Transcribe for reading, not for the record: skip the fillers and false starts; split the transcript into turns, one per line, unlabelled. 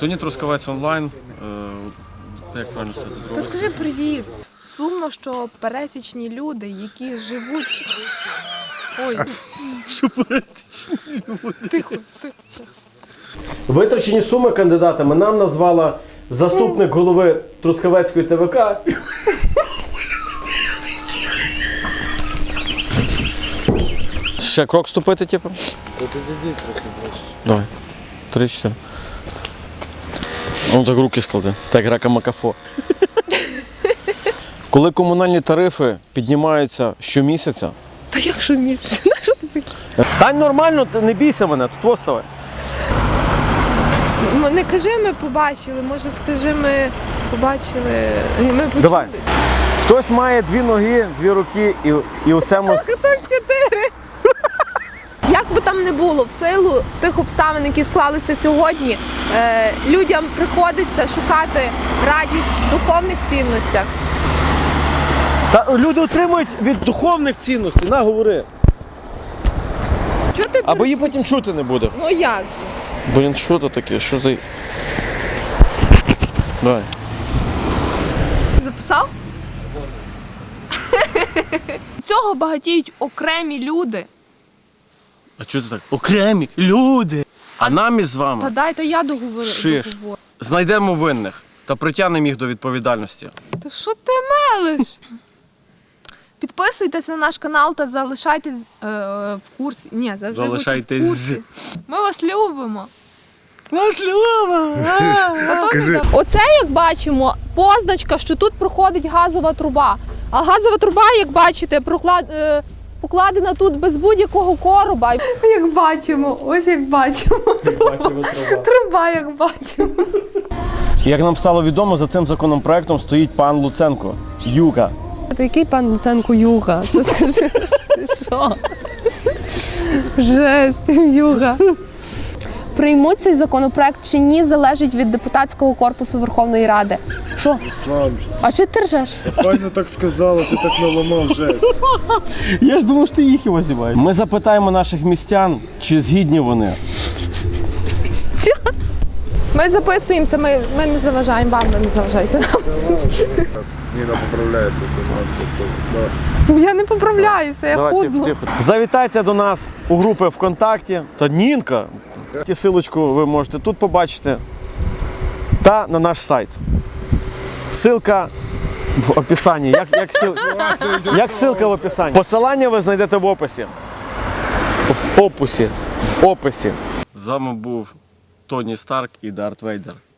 Сьогодні Трускавець онлайн. Як правильно сказати?
Та скажи привіт. Сумно, що пересічні люди, які живуть... Ой.
Що пересічні люди?
Тихо.
Витрачені суми кандидатами нам назвала заступник голови Трускавецької ТВК.
Ще крок ступити, типу?
Підійдіть трохи ближче.
Давай. 3-4. Ну так руки склади. Так, рака-макафо. Коли комунальні тарифи піднімаються щомісяця...
Та як що місяць?
Стань нормально, не бійся мене, тут вставай.
Не кажи, ми побачили, може скажи, ми побачили. Ми почули.
Давай. Хтось має 2 ноги, 2 руки і у цьому...
Так 4. Як би там не було, в силу тих обставин, які склалися сьогодні, людям приходиться шукати радість в духовних цінностях.
Та люди отримують від духовних цінностей, на, говори.
Чого ти
Або її потім чути не буде.
Ну як же?
Блін, що це таке? Що за... Давай.
Записав? Цього багатіють окремі люди.
А чого ти так? Окремі люди! А нам із вами
Та дайте я договорю.
Шиш. знайдемо винних та притягнемо їх до відповідальності.
Та що ти мелиш? Підписуйтесь на наш канал та залишайтесь в курсі. Ні, завжди
Залишайтесь.
будьте в курсі. Ми вас любимо.
Нас любимо!
Оце, як бачимо, позначка, що тут проходить газова труба. А газова труба, як бачите, покладена тут без будь-якого короба. Як бачимо, ось як бачимо. Труба, як бачимо.
Як нам стало відомо, за цим законопроектом стоїть пан Луценко. Юга.
Та який пан Луценко Юга? Ти скажи, що? Жесть, Юга. Приймуть цей законопроект чи ні, залежить від депутатського корпусу Верховної Ради. Що?
Слав,
А чи ти ржеш?
файно так сказала, ти так наламав жесть.
Я ж думав, що ти їх його знімаєш. Ми запитаємо наших містян, чи згідні вони.
Ми записуємося, ми не заважаємо вам, ви не заважайте нам.
Ніна поправляється.
Я не поправляюся, я худну.
Завітайте до нас у групи ВКонтакті. Та Нінка. Силочку ви можете тут побачити. Та на наш сайт. Ссылка в описанні. Як ссылка в описанні? Посилання ви знайдете в описі. В описі.
З вами був Тоні Старк і Дарт Вейдер.